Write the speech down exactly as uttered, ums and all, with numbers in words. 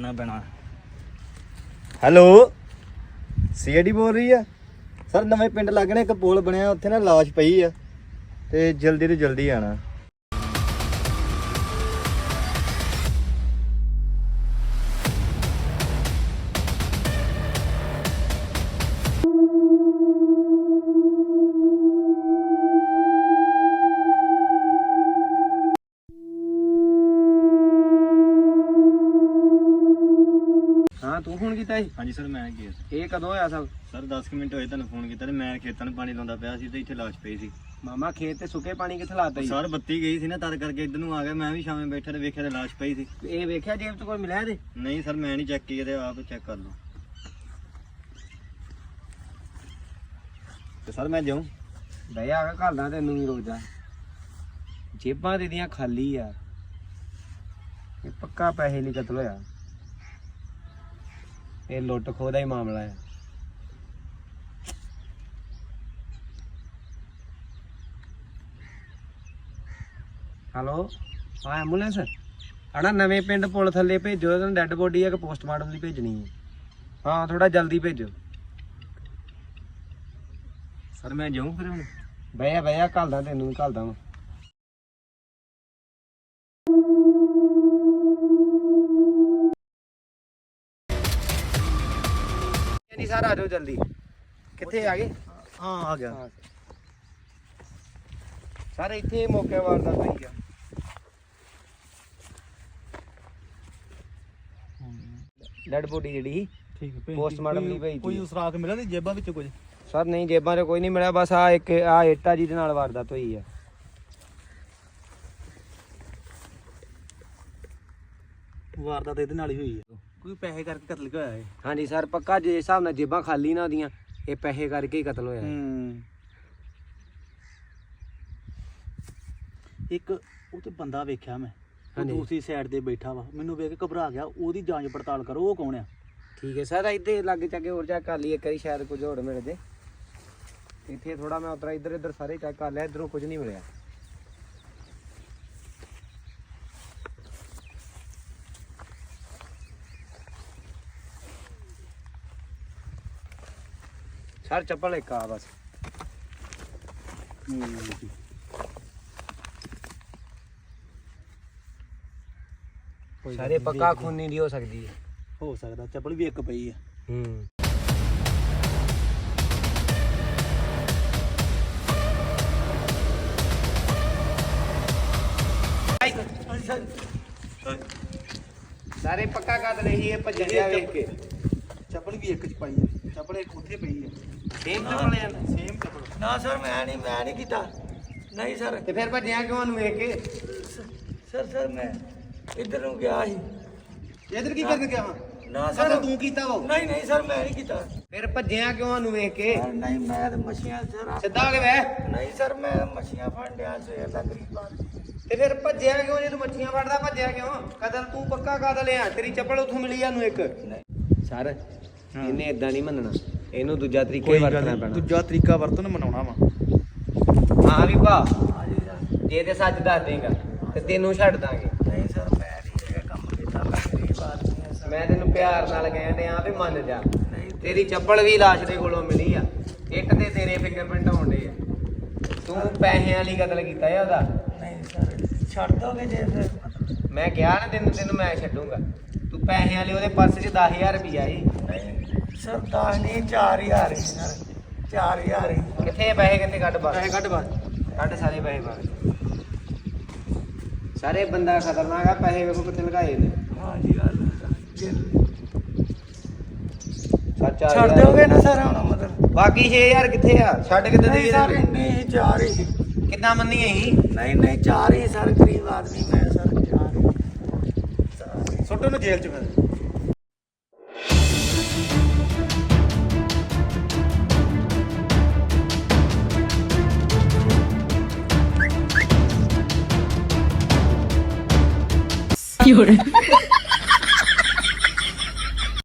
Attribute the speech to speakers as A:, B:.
A: करना पैना।
B: Hello CID ਬੋਲ ਰਹੀ ਆ ਸਰ? ਨਵੇਂ ਪਿੰਡ ਲੱਗਣੇ ਇੱਕ ਪੁਲ ਬਣਿਆ ਉੱਥੇ ਨਾ ਲਾਸ਼ ਪਈ ਆ ਤੇ ਜਲਦੀ ਤੋਂ ਜਲਦੀ ਆਣਾ।
C: ਹਾਂ ਤੂੰ ਫੋਨ ਕੀਤਾ ਸੀ?
B: ਹਾਂਜੀ ਸਰ ਮੈਂ ਗਿਆ
C: ਇਹ ਕਦੋਂ ਹੋਇਆ ਸਭ?
B: ਸਰ ਦਸ ਕੁ ਮਿੰਟ ਹੋਏ ਤੁਹਾਨੂੰ ਫੋਨ ਕੀਤਾ ਤੇ ਮੈਂ ਖੇਤਾਂ ਨੂੰ ਪਾਣੀ ਲਾਉਂਦਾ ਪਿਆ ਸੀ ਤੇ ਇੱਥੇ ਲਾਸ਼ ਪਈ ਸੀ।
C: ਮਾਮਾ ਖੇਤ ਤੇ ਸੁੱਕੇ ਪਾਣੀ ਕਿੱਥੇ ਲਾਤਾ ਸੀ?
B: ਸਰ ਬੱਤੀ ਗਈ ਸੀ ਨਾ ਤਦ ਕਰਕੇ ਇੱਧਰ ਨੂੰ ਆ ਗਿਆ। ਮੈਂ ਵੀ ਸ਼ਾਮੇ ਬੈਠਾ ਤੇ ਵੇਖਿਆ ਤੇ ਲਾਸ਼ ਪਈ ਸੀ।
C: ਇਹ ਵੇਖਿਆ ਜੇਬ ਚ ਕੋਈ ਮਿਲਿਆ ਇਹਦੇ?
B: ਨਹੀਂ ਸਰ ਮੈਂ ਨਹੀਂ ਚੈੱਕ ਕੀਤੀ ਤੇ ਆਪ ਚੈੱਕ ਕਰ ਲਓ। ਤੇ ਸਰ ਮੈਂ ਜਾਉਂ?
C: ਬਈ ਆ ਕੇ ਘਲਦਾ ਤੈਨੂੰ ਵੀ ਰੁਕ ਜਾ। ਜੇਬਾਂ ਦੇ ਦੀਆਂ ਖਾਲੀ ਆ, ਇਹ ਪੱਕਾ ਪੈਸੇ ਲਈ ਕਤਲ ਹੋਇਆ। ਇਹ ਲੁੱਟ ਖੋਹ ਦਾ ਹੀ ਮਾਮਲਾ ਹੈ। ਹੈਲੋ ਹਾਂ ਐਂਬੂਲੈਂਸ ਆਣਾ ਨਵੇਂ ਪਿੰਡ ਪੁਲ ਥੱਲੇ ਭੇਜੋ। ਤੈਨੂੰ ਡੈੱਡ ਬੋਡੀ ਆ ਕਿ ਪੋਸਟਮਾਰਟਮ ਲਈ ਭੇਜਣੀ ਹੈ? ਹਾਂ ਥੋੜਾ ਜਲਦੀ ਭੇਜੋ।
B: ਸਰ ਮੈਂ ਜਾਉਂ ਫਿਰ ਹੁਣ?
C: ਬਈਆ ਬਈਆ ਘਲਦਾ ਤੈਨੂੰ ਵੀ ਘਲਦਾ ਵਾ। ਨਹੀਂ ਸਰ ਆ ਜਾਓ ਜਲਦੀ। ਕਿੱਥੇ ਆ ਗਏ?
B: ਹਾਂ ਆ ਗਿਆ
C: ਸਰ ਇੱਥੇ ਮੌਕੇ ਵਾਰਦਾਤ ਹੋਈ ਆ। ਡੈਡ ਬੋਡੀ ਜਿਹੜੀ
A: ठीक है।
C: ਪੋਸਟਮਾਰਟਮ ਲਈ ਭੇਜੀ
A: कोई सुराग मिला नहीं जेबा विच कुछ?
C: ਸਰ ਨਹੀਂ ਜੇਬਾਂ 'ਚ ਕੋਈ ਨਹੀਂ ਮਿਲਿਆ, ਬਸ ਆ ਇੱਕ ਆ ਏਟਾ ਜਿਹਦੇ ਨਾਲ ਵਾਰਦਾਤ ਹੋਈ ਆ।
A: वारदात ਇਹਦੇ ਨਾਲ ਹੀ ਹੋਈ ਹੈ। ਕੋਈ ਪੈਸੇ ਕਰਕੇ ਕਤਲ ਹੋਇਆ ਹੈ?
C: ਹਾਂਜੀ ਸਰ ਪੱਕਾ ਜੇ ਹਿਸਾਬ ਨਾਲ ਜੇਬਾਂ ਖਾਲੀ ਨਾ ਉਹਦੀਆਂ, ਇਹ ਪੈਸੇ ਕਰਕੇ ਹੀ ਕਤਲ ਹੋਇਆ।
A: ਹੂੰ ਇੱਕ ਉਹ ਤੇ ਬੰਦਾ ਵੇਖਿਆ ਮੈਂ, ਉਹ
C: ਹਾਂਜੀ।
A: ਦੂਸਰੀ ਸਾਈਡ ਤੇ ਬੈਠਾ ਵਾ, ਮੈਨੂੰ ਵੇਖ ਕੇ ਘਬਰਾ ਗਿਆ। ਉਹਦੀ ਜਾਂਚ ਪੜਤਾਲ ਕਰੋ, ਉਹ ਕੌਣ ਆ?
C: ਠੀਕ ਹੈ ਸਰ ਇੱਥੇ ਲਾਗੇ ਚਾਗੇ ਹੋਰ ਚੈੱਕ ਕਰ ਲਈ ਇੱਕ ਵਾਰੀ, ਸ਼ਾਇਦ ਕੁਝ ਹੋਰ ਮਿਲ ਜੇ। ਇੱਥੇ ਥੋੜਾ ਮੈਂ ਉਤਰਾ ਇੱਧਰ ਇੱਧਰ ਸਾਰੇ ਚੈੱਕ ਕਰ ਲਿਆ, ਇੱਧਰੋਂ ਕੁਝ ਨਹੀਂ ਮਿਲਿਆ। ਸਰ ਚੱਪਲ ਇੱਕ ਆ ਬਸ। ਸਾਰੇ ਪੱਕਾ ਖੂਨੀ ਦੀ ਹੋ ਸਕਦੀ ਹੈ।
A: ਹੋ ਸਕਦਾ ਚੱਪਲ ਵੀ ਇੱਕ ਪਈ ਆ।
C: ਹੂੰ ਸਾਰੇ ਪੱਕਾ ਕਰ ਰਹੀ ਹੈ ਭੱਜਣ ਡਿਆ ਵੇਖ ਕੇ।
A: ਚੱਪਲ ਵੀ ਇੱਕ ਚ ਪਾਈ ਆ, ਚੱਪਲ ਇੱਕ ਉੱਥੇ ਪਈ ਆ।
C: ਸੇਮ ਚੱਪਲ ਆ
A: ਸੇਮ ਚੱਪਲ।
D: ਨਾ ਸਰ ਮੈਂ ਨਹੀਂ ਮੈਂ ਨਹੀਂ ਕੀਤਾ। ਨਹੀਂ ਸਰ
C: ਤੇ ਫਿਰ ਭੱਜਿਆ ਕਿਉਂ ਨੂੰ ਵੇਖ ਕੇ?
D: ਸਰ ਸਰ ਮੈਂ ਇੱਧਰ ਨੂੰ ਗਿਆ ਸੀ।
A: ਇਧਰ ਕੀ ਕਰਨ ਗਿਆ ਹਾਂ?
D: ਨਾ
A: ਸਰ
D: ਸਰ
A: ਤੂੰ ਕੀਤਾ ਵਾ?
D: ਨਹੀਂ ਨਹੀਂ ਸਰ ਮੈਂ ਨਹੀਂ ਕੀਤਾ।
C: ਫਿਰ ਭੱਜਿਆ ਕਿਉਂ ਨੂੰ ਵੇਖ ਕੇ?
D: ਸਰ, ਨਹੀਂ ਮੈਂ ਤਾਂ ਮੱਛੀਆਂ ਸਰ
C: ਸਿੱਧਾ ਹੋ ਕੇ ਬਹਿ।
D: ਨਹੀਂ ਸਰ ਮੈਂ ਮੱਛੀਆਂ ਫੜ ਲਿਆ ਸਵੇਰ ਦਾ ਗਰੀਬ ਆਦਮੀ।
C: ਤੇ ਫਿਰ ਭੱਜਿਆ ਕਿਉਂ? ਜੇ ਤੂੰ ਮੱਛੀਆਂ ਫੜਦਾ ਭੱਜਿਆ ਕਿਉਂ? ਕਦਲ ਤੂੰ ਪੱਕਾ ਕਾਦਲ ਆ। ਤੇਰੀ ਚੱਪਲ ਉੱਥੋਂ ਮਿਲੀ ਆ ਨੂੰ ਇੱਕ। ਸਰ ਇਹਨੇ ਇਦਾਂ ਨਹੀਂ ਮੰਨਣਾ, ਇਹਨੂੰ ਦੂਜਾ ਤਰੀਕਾ ਹੀ ਵਰਤਣਾ ਪੈਣਾ।
A: ਦੂਜਾ ਤਰੀਕਾ ਵਰਤਨ ਮਨਾਉਣਾ ਵਾ।
C: ਹਾਂ ਵੀ ਭਾ
D: ਹਾਂਜੀ ਸਰ।
C: ਜੇ ਤੇ ਸੱਚ ਦੱਸ ਦੇਗਾ ਤੇ ਤੈਨੂੰ ਛੱਡ ਦਾਂਗੇ।
D: ਨਹੀਂ ਸਰ ਮੈਂ ਨਹੀਂ ਇਹ ਕੰਮ ਕੀਤਾ। ਮੈਂ ਗਰੀਬ ਆਦਮੀ ਹਾਂ ਸਰ।
C: ਮੈਂ ਤੈਨੂੰ ਪਿਆਰ ਨਾਲ ਕਹਿੰਦੇ ਆ ਵੀ ਮੰਨ ਜਾ। ਤੇਰੀ ਚੱਪਲ ਵੀ ਲਾਸ਼ ਦੇ ਕੋਲੋਂ ਮਿਲੀ ਆ, ਇੱਕ ਤੇ ਤੇਰੇ ਫਿੰਗਰਪ੍ਰਿੰਟ ਆਉਂਦੇ ਆ। ਤੂੰ ਪੈਸਿਆਂ ਲਈ ਕਤਲ ਕੀਤਾ ਆ ਉਹਦਾ।
D: ਨਹੀਂ ਸਰ ਛੱਡ ਦੋਗੇ ਜੇ ਫਿਰ?
C: ਮੈਂ ਕਿਹਾ ਨਾ ਤੈਨੂੰ ਤੈਨੂੰ ਮੈਂ ਛੱਡੂੰਗਾ। ਤੂੰ ਪੈਸਿਆਂ ਲਈ ਉਹਦੇ ਪਰਸ 'ਚ ਦਸ ਹਜ਼ਾਰ ਰੁਪਈਆ ਸੀ।
D: ਨਹੀਂ ਸਰ ਦਸ ਨਹੀਂ ਚਾਰ ਹਜ਼ਾਰ ਹੀ ਸਰ। ਚਾਰ ਹਜ਼ਾਰ ਹੀ।
C: ਕਿੱਥੇ ਪੈਸੇ? ਕਿੱਥੇ? ਕੱਢ ਬਾਹਰ।
A: ਪੈਸੇ ਕੱਢ ਬਾਹਰ।
C: ਕੱਢ ਸਾਰੇ ਪੈਸੇ ਬਾਹਰ। ਸਾਰੇ ਬੰਦਾ ਖਤਰਨਾਕ ਆ। ਪੈਸੇ ਵੇਖੋ ਕਿੱਥੇ ਲਗਾਏ ਨੇ।
D: ਹਾਂਜੀ ਗੱਲ ਜੇ
C: ਸੱਚਾ
D: ਛੱਡ ਦੋਗੇ ਨਾ ਸਰ ਹੁਣ ਮਤਲਬ?
C: ਬਾਕੀ ਛੇ ਹਜ਼ਾਰ ਕਿੱਥੇ ਆ? ਛੱਡ ਕਿੱਦਾਂ
D: ਨਹੀਂ
C: ਦੇਈਏ
D: ਸਰ
C: ਤੈਨੂੰ?
D: ਇੰਨੇ ਹੀ ਚਾਰ ਹੀ।
C: ਕਿੱਦਾਂ ਮੰਨੀ ਅਸੀਂ?
D: ਨਹੀਂ ਨਹੀਂ ਚਾਰ ਹੀ ਸਰ। ਗਰੀਬ ਆਦਮੀ ਮੈਂ ਸਰ। ਚਾਰ ਹੀ।
A: ਸੁੱਟੋ ਨੂੰ ਜੇਲ੍ਹ ਚ ਫਿਰ।
E: 有人。